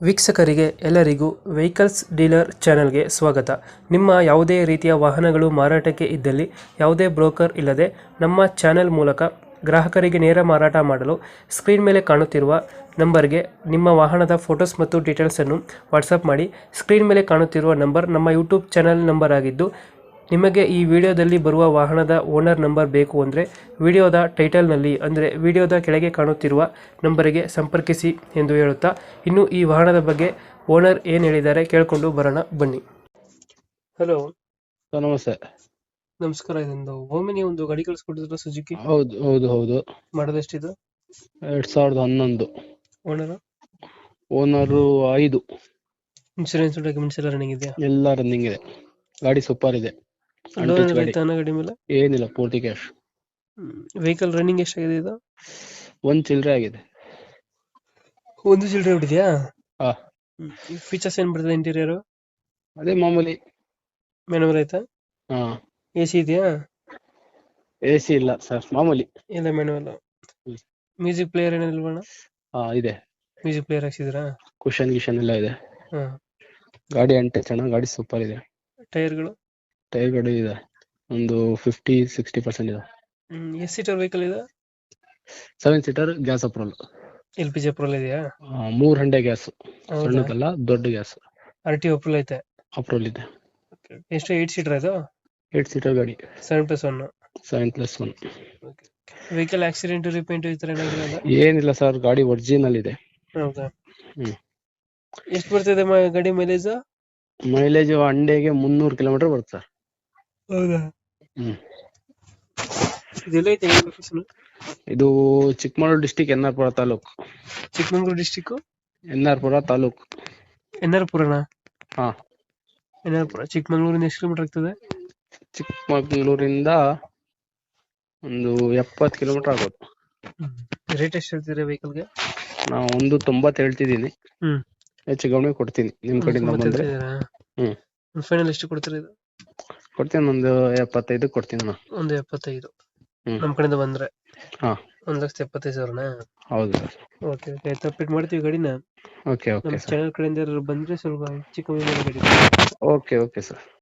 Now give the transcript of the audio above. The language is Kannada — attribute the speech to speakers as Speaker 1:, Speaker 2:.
Speaker 1: ವೀಕ್ಷಕರಿಗೆ ಎಲ್ಲರಿಗೂ ವೆಹಿಕಲ್ಸ್ ಡೀಲರ್ ಚಾನೆಲ್ಗೆ ಸ್ವಾಗತ. ನಿಮ್ಮ ಯಾವುದೇ ರೀತಿಯ ವಾಹನಗಳು ಮಾರಾಟಕ್ಕೆ ಇದ್ದಲ್ಲಿ ಯಾವುದೇ ಬ್ರೋಕರ್ ಇಲ್ಲದೆ ನಮ್ಮ ಚಾನೆಲ್ ಮೂಲಕ ಗ್ರಾಹಕರಿಗೆ ನೇರ ಮಾರಾಟ ಮಾಡಲು ಸ್ಕ್ರೀನ್ ಮೇಲೆ ಕಾಣುತ್ತಿರುವ ನಂಬರ್ಗೆ ನಿಮ್ಮ ವಾಹನದ ಫೋಟೋಸ್ ಮತ್ತು ಡೀಟೇಲ್ಸನ್ನು ವಾಟ್ಸಪ್ ಮಾಡಿ. ಸ್ಕ್ರೀನ್ ಮೇಲೆ ಕಾಣುತ್ತಿರುವ ನಂಬರ್ ನಮ್ಮ ಯೂಟ್ಯೂಬ್ ಚಾನೆಲ್ ನಂಬರ್ ಆಗಿದ್ದು, ನಿಮಗೆ ಈ ವಿಡಿಯೋದಲ್ಲಿ ಬರುವ ವಾಹನದ ಓನರ್ ನಂಬರ್ ಬೇಕು ಅಂದರೆ ವಿಡಿಯೋದ ಟೈಟಲ್ನಲ್ಲಿ ಅಂದರೆ ವಿಡಿಯೋದ ಕೆಳಗೆ ಕಾಣುತ್ತಿರುವ ನಂಬರಿಗೆ ಸಂಪರ್ಕಿಸಿ ಎಂದು ಹೇಳುತ್ತಾ, ಇನ್ನು ಈ ವಾಹನದ ಬಗ್ಗೆ ಓನರ್ ಏನು ಹೇಳಿದ್ದಾರೆ ಕೇಳಿಕೊಂಡು ಬರೋಣ ಬನ್ನಿ. ಹಲೋ
Speaker 2: ಸರ್ ನಮಸ್ತೆ.
Speaker 1: ನಮಸ್ಕಾರ. ಇದೊಂದು ಓಮಿನಿ ಒಂದು ಗಾಡಿ ಕಳಿಸ್ಕೊಟ್ಟಿದ್ರು ಸುಜುಕಿ,
Speaker 2: ಹೌದು ಹೌದು ಹೌದು.
Speaker 1: ಮಾಡೋದು ಎಷ್ಟಿದು?
Speaker 2: 2011.
Speaker 1: Owner
Speaker 2: owner 5.
Speaker 1: ಇನ್ಶೂರೆನ್ಸ್ ಡಾಕ್ಯುಮೆಂಟ್ಸ್ ಎಲ್ಲ ರನ್ನಿಂಗ್ ಇದೆಯಾ?
Speaker 2: ಎಲ್ಲ ರನ್ನಿಂಗ್ ಇದೆ. ಗಾಡಿ ಸೂಪರ್ ಇದೆ.
Speaker 1: ಲೋನ್ ರೈತಾನ ಗಾಡಿ ಮೇಲೆ?
Speaker 2: ಏನಿಲ್ಲ, ಪೂರ್ತಿ ಕ್ಯಾಶ್.
Speaker 1: ವೆಹಿಕಲ್ ರನ್ನಿಂಗ್ ಎಷ್ಟಾಗಿದೆ ಇದು?
Speaker 2: ಒಂದ್ ಚಿಲ್ಲರೆ ಆಗಿದೆ.
Speaker 1: ಒಂದು ಚಿಲ್ಲರೆ ಬಿಟ್ಟಿದ್ಯಾ?
Speaker 2: ಹಾ,
Speaker 1: ಫೀಚರ್ಸ್ ಏನ್ ಬರ್ತದೆ ಇಂಟೀರಿಯರ್?
Speaker 2: ಅದೇ ಮಾಮೂಲಿ.
Speaker 1: ಮ್ಯಾನುವಲ್ ಆಯ್ತಾ?
Speaker 2: ಹಾ,
Speaker 1: AC ಇದೆಯಾ?
Speaker 2: AC ಇಲ್ಲ ಸರ್, ಮಾಮೂಲಿ.
Speaker 1: ಇಲ್ಲ ಮ್ಯಾನುವಲ್. ಮ್ಯೂಸಿಕ್ ಪ್ಲೇಯರ್ ಏನಿಲ್ವಣ?
Speaker 2: ಹಾ ಇದೆ.
Speaker 1: ಮ್ಯೂಸಿಕ್ ಪ್ಲೇಯರ್ ಹಾಕ್ಸಿದ್ರಾ?
Speaker 2: ಕುಶನ್ ಗಿಶನ್ ಎಲ್ಲ ಇದೆ.
Speaker 1: ಹಾ.
Speaker 2: ಗಾಡಿ ಚೆನ್ನಾಗಿ, ಗಾಡಿ ಸೂಪರ್ ಇದೆ.
Speaker 1: ಟೈರ್ಗಳು?
Speaker 2: ಟೈರ್ ಗಾಡಿ ಇದೆ, ಒಂದು 50-60% ಇದೆ.
Speaker 1: ಎಷ್ಟು ಸೀಟರ್ ವೆಹಿಕಲ್ ಇದೆ?
Speaker 2: 7 seater, gas approval.
Speaker 1: LPG approval ಇದೆಯಾ?
Speaker 2: 3 ಹಂಡೆ ಗ್ಯಾಸ್,
Speaker 1: ಹೌದಾ?
Speaker 2: ಸಣ್ಣದಲ್ಲ ದೊಡ್ಡ ಗ್ಯಾಸ್.
Speaker 1: RT ಅಪ್ರೂವಲ್ ಐತೆ?
Speaker 2: ಅಪ್ರೋಲ್ ಇದೆ.
Speaker 1: ಎಷ್ಟು 8 ಸೀಟರ್ ಇದು?
Speaker 2: 8 ಸೀಟರ್ ಗಾಡಿ.
Speaker 1: 7+1.
Speaker 2: 7+1.
Speaker 1: ವೆಹಿಕಲ್ ಆಕ್ಸಿಡೆಂಟ್ ರಿಪೇಂಟ್ ಈ ತರ ಏನಾಗಿಲ್ಲ?
Speaker 2: ಏನಿಲ್ಲ ಸರ್, ಗಾಡಿ ಒರಿಜಿನಲ್ ಇದೆ.
Speaker 1: ಹೌದಾ?
Speaker 2: ಹ್ಮ್.
Speaker 1: ಎಷ್ಟು ಬರ್ತಿದೆ ಗಾಡಿ ಮೈಲೇಜ್?
Speaker 2: ಮೈಲೇಜ್ ಹಂಡೆಗೆ 300 ಕಿಲೋಮೀಟರ್ ಬರುತ್ತೆ ಸರ್.
Speaker 1: ಹೌದಾ?
Speaker 2: ಹ್ಮ್.
Speaker 1: ಇದೆಲ್ಲ ಐತೆ ಲೊಕೇಶನ್?
Speaker 2: ಇದು ಚಿಕ್ಕಮಗಳೂರು ಡಿಸ್ಟಿಕ್, ಎನ್ಆರ್ಪುರ ತಾಲೂಕು.
Speaker 1: ಚಿಕ್ಕಮಗಳೂರು ಡಿಸ್ಟಿಕ್,
Speaker 2: ಎನ್ಆರ್ಪುರ ತಾಲೂಕು.
Speaker 1: ಎನ್ಆರ್ಪುರನಾ?
Speaker 2: ಹಾ,
Speaker 1: ಎನ್ಆರ್ಪುರ. ಚಿಕ್ಕಮಗಳೂರಿಂದ ಎಷ್ಟು ಕಿಲೋಮೀಟರ್ ಆಗ್ತದೆ?
Speaker 2: ಚಿಕ್ಕಮಗಳೂರಿಂದ ಒಂದು 70 ಕಿಲೋಮೀಟರ್ ಆಗೋದು.
Speaker 1: ರೇಟ್ ಎಷ್ಟು ಹೇಳ್ತೀರಾ ವೆಹಿಕಲ್ಗೆ?
Speaker 2: ನಾವು 190 ಹೇಳ್ತಿದ್ದೀನಿ.
Speaker 1: ಹ್ಮ್.
Speaker 2: ಹೆಚ್ಚು ಕಡಿಮೆ ಕೊಡ್ತೀನಿ ನಿಮ್ ಕಡೆಯಿಂದ ಬಂದ್ರೆ. ಹ್ಮ್.
Speaker 1: ಫೈನಲ್ ಎಷ್ಟು ಕೊಡ್ತೀರಾ ಇದು?
Speaker 2: ಕೊಡ್ತೀನಿ, ಒಂದು 75 ಕೊಡ್ತೀನಿ ನಾನು.
Speaker 1: ಒಂದು 75.
Speaker 2: ಹ್ಮ್.
Speaker 1: ನಮ್ ಕಡೆಯಿಂದ ಬಂದ್ರೆ?
Speaker 2: ಹಾ,
Speaker 1: 1,75,000ನಾ?
Speaker 2: ಹೌದು ಸರ್.
Speaker 1: ಓಕೆ ಓಕೆ, ಆಯ್ತು, ಅಪ್ಡೇಟ್ ಮಾಡ್ತೀವಿ ಗಾಡಿನ.
Speaker 2: ಓಕೆ ಓಕೆ
Speaker 1: ನಮ್ಮ
Speaker 2: ಸರ್.
Speaker 1: ಚಾನಲ್ ಕಡೆಯಿಂದ ಯಾರಾದ್ರು ಬಂದ್ರೆ ಸ್ವಲ್ಪ ಹೆಚ್ಚು ಕಮ್ಮಿ ಮಾಡಿ ಗಾಡಿ.
Speaker 2: Okay okay sir.